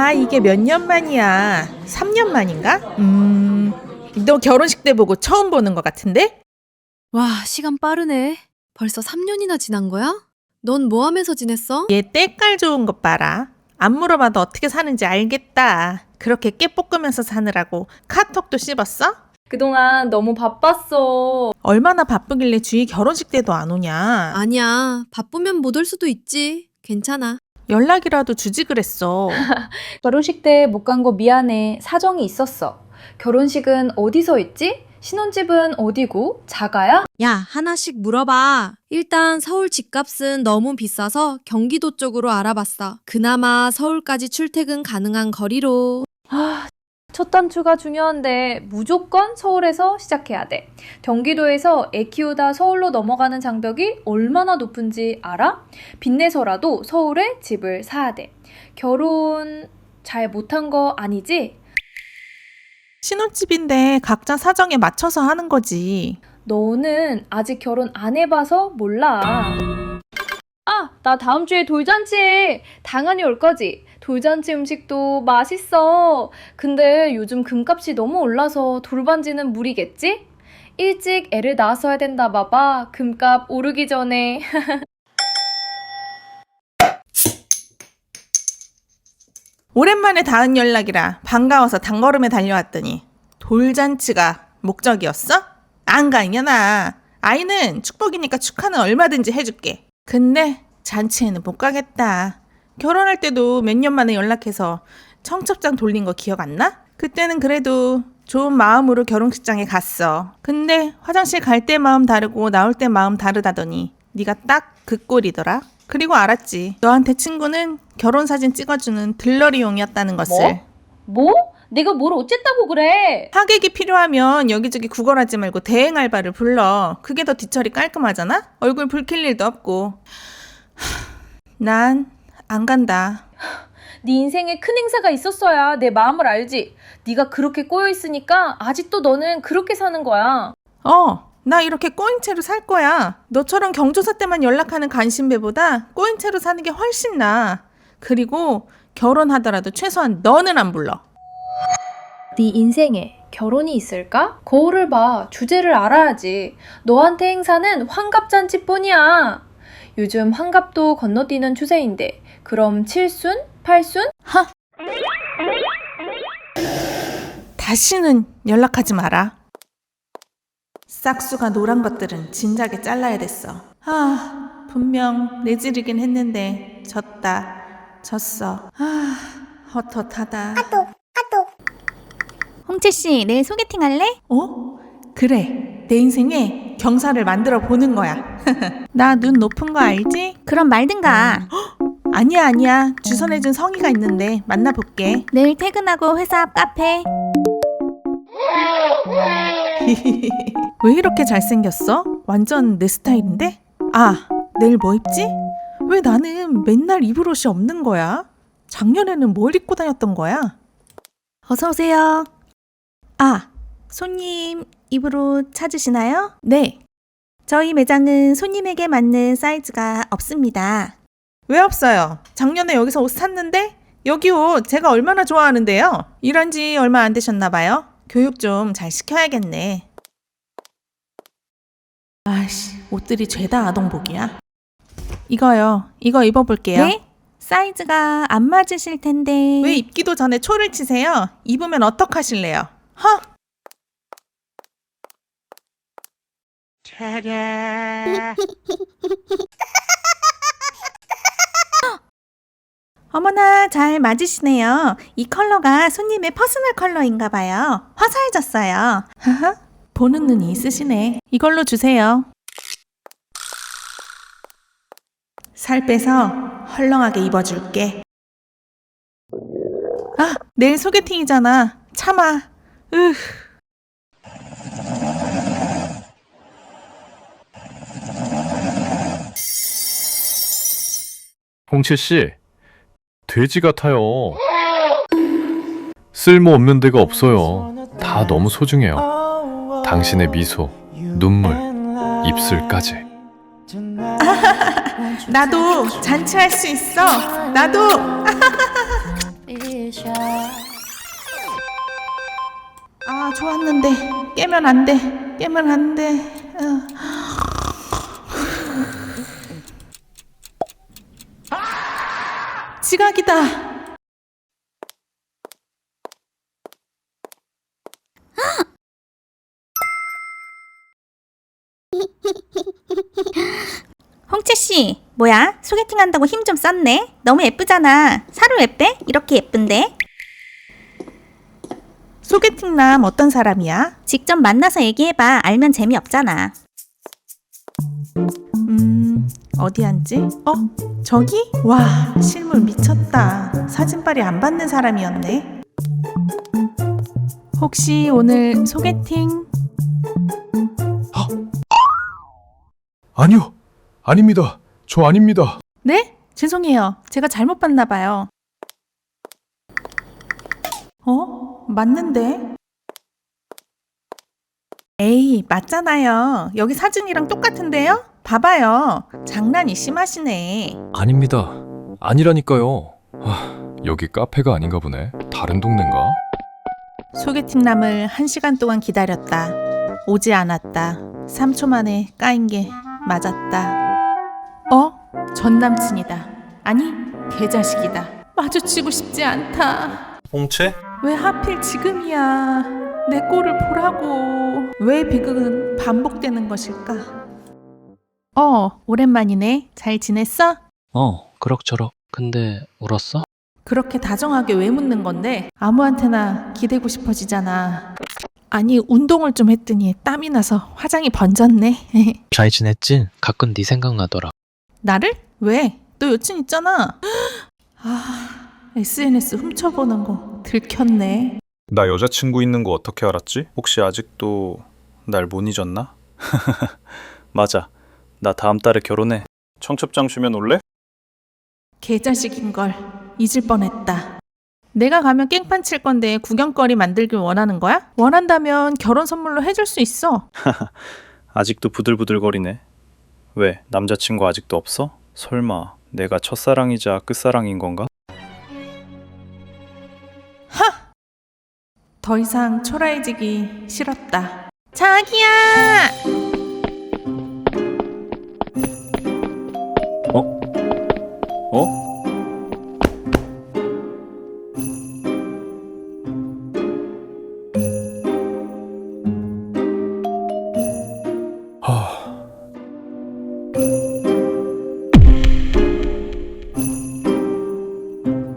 아, 이게 몇 년 만이야? 3년 만인가? 너 결혼식 때 보고 처음 보는 것 같은데? 와, 시간 빠르네. 벌써 3년이나 지난 거야? 넌 뭐 하면서 지냈어? 얘 때깔 좋은 것 봐라. 안 물어봐도 어떻게 사는지 알겠다. 그렇게 깨 볶으면서 사느라고 카톡도 씹었어? 그동안 너무 바빴어. 얼마나 바쁘길래 주희 결혼식 때도 안 오냐? 아니야. 바쁘면 못 올 수도 있지. 괜찮아. 연락이라도 주지 그랬어. 결혼식 때 못 간 거 미안해. 사정이 있었어. 결혼식은 어디서 있지? 신혼집은 어디고? 자가야? 야, 하나씩 물어봐. 일단 서울 집값은 너무 비싸서 경기도 쪽으로 알아봤어. 그나마 서울까지 출퇴근 가능한 거리로. 첫 단추가 중요한데 무조건 서울에서 시작해야 돼. 경기도에서 애 키우다 서울로 넘어가는 장벽이 얼마나 높은지 알아? 빚내서라도 서울에 집을 사야 돼. 결혼 잘 못한 거 아니지? 신혼집인데 각자 사정에 맞춰서 하는 거지. 너는 아직 결혼 안 해봐서 몰라. 아, 나 다음 주에 돌잔치에 당연히 올 거지. 돌잔치 음식도 맛있어. 근데 요즘 금값이 너무 올라서 돌반지는 무리겠지? 일찍 애를 낳았어야 된다 봐봐. 금값 오르기 전에. 오랜만에 닿은 연락이라 반가워서 단걸음에 달려왔더니 돌잔치가 목적이었어? 안 가, 이년아. 아이는 축복이니까 축하는 얼마든지 해줄게. 근데 잔치에는 못 가겠다. 결혼할 때도 몇 년 만에 연락해서 청첩장 돌린 거 기억 안 나? 그때는 그래도 좋은 마음으로 결혼식장에 갔어. 근데 화장실 갈 때 마음 다르고 나올 때 마음 다르다더니 네가 딱 그 꼴이더라. 그리고 알았지. 너한테 친구는 결혼사진 찍어주는 들러리용이었다는 것을. 뭐? 내가 뭘 어쨌다고 그래? 하객이 필요하면 여기저기 구걸하지 말고 대행 알바를 불러. 그게 더 뒤처리 깔끔하잖아? 얼굴 붉힐 일도 없고. 난 안 간다. 네 인생에 큰 행사가 있었어야 내 마음을 알지. 네가 그렇게 꼬여 있으니까 아직도 너는 그렇게 사는 거야. 나 이렇게 꼬인 채로 살 거야. 너처럼 경조사 때만 연락하는 간신배보다 꼬인 채로 사는 게 훨씬 나아. 그리고 결혼하더라도 최소한 너는 안 불러. 네 인생에 결혼이 있을까? 거울을 봐. 주제를 알아야지. 너한테 행사는 환갑잔치뿐이야. 요즘 환갑도 건너뛰는 추세인데 그럼 7순? 8순? 다시는 연락하지 마라. 싹수가 노란 것들은 진작에 잘라야 됐어. 분명 내지르긴 했는데 졌어. 헛헛하다. 홍채씨, 내일 소개팅 할래? 그래. 내 인생에 경사를 만들어 보는 거야. 나 눈 높은 거 알지? 그럼 말든가. 아니야. 주선해준 성의가 있는데 만나볼게. 내일 퇴근하고 회사 앞 카페. 왜 이렇게 잘생겼어? 완전 내 스타일인데? 내일 뭐 입지? 왜 나는 맨날 입을 옷이 없는 거야? 작년에는 뭘 입고 다녔던 거야? 어서 오세요. 손님 입을 옷 찾으시나요? 네. 저희 매장은 손님에게 맞는 사이즈가 없습니다. 왜 없어요? 작년에 여기서 옷 샀는데? 여기 옷 제가 얼마나 좋아하는데요? 일한 지 얼마 안 되셨나 봐요? 교육 좀 잘 시켜야겠네. 옷들이 죄다 아동복이야. 이거요. 이거 입어볼게요. 네? 사이즈가 안 맞으실 텐데. 왜 입기도 전에 초를 치세요? 입으면 어떡하실래요? 어머나, 잘 맞으시네요. 이 컬러가 손님의 퍼스널 컬러인가 봐요. 화사해졌어요. 보는 눈이 있으시네. 이걸로 주세요. 살 빼서 헐렁하게 입어줄게. 내일 소개팅이잖아. 참아. 홍채 씨, 돼지 같아요. 쓸모없는 데가 없어요. 다 너무 소중해요. 당신의 미소, 눈물, 입술까지. 나도 잔치할 수 있어. 나도. 아, 좋았는데 깨면 안 돼. 깨면 안 돼. 지각이다. 홍채씨, 뭐야? 소개팅 한다고 힘 좀 썼네? 너무 예쁘잖아. 살을 왜 빼? 이렇게 예쁜데? 소개팅남 어떤 사람이야? 직접 만나서 얘기해봐. 알면 재미없잖아. 어디 앉지? 저기? 와, 실물 미쳤다. 사진빨이 안 받는 사람이었네. 혹시 오늘 소개팅? 아니요, 아닙니다. 저 아닙니다. 네? 죄송해요. 제가 잘못 봤나 봐요. 맞는데? 에이, 맞잖아요. 여기 사진이랑 똑같은데요? 봐봐요. 장난이 심하시네. 아닙니다. 아니라니까요. 여기 카페가 아닌가 보네. 다른 동네인가? 소개팅남을 1시간 동안 기다렸다. 오지 않았다. 3초 만에 까인 게 맞았다. 전 남친이다. 아니, 개자식이다. 마주치고 싶지 않다. 홍채? 왜 하필 지금이야. 내 꼴을 보라고. 왜 비극은 반복되는 것일까? 오랜만이네. 잘 지냈어? 그럭저럭. 근데 울었어? 그렇게 다정하게 왜 묻는 건데? 아무한테나 기대고 싶어지잖아. 아니, 운동을 좀 했더니 땀이 나서 화장이 번졌네. 잘 지냈지? 가끔 네 생각나더라. 나를? 왜? 너 여친 있잖아. SNS 훔쳐보는 거 들켰네. 나 여자친구 있는 거 어떻게 알았지? 혹시 아직도 날 못 잊었나? 맞아. 나 다음 달에 결혼해. 청첩장 주면 올래? 개자식인걸. 잊을 뻔했다. 내가 가면 깽판 칠 건데 구경거리 만들길 원하는 거야? 원한다면 결혼 선물로 해줄 수 있어. 아직도 부들부들거리네. 왜? 남자친구 아직도 없어? 설마 내가 첫사랑이자 끝사랑인 건가? 더 이상 초라해지기 싫었다. 자기야! 어? 하...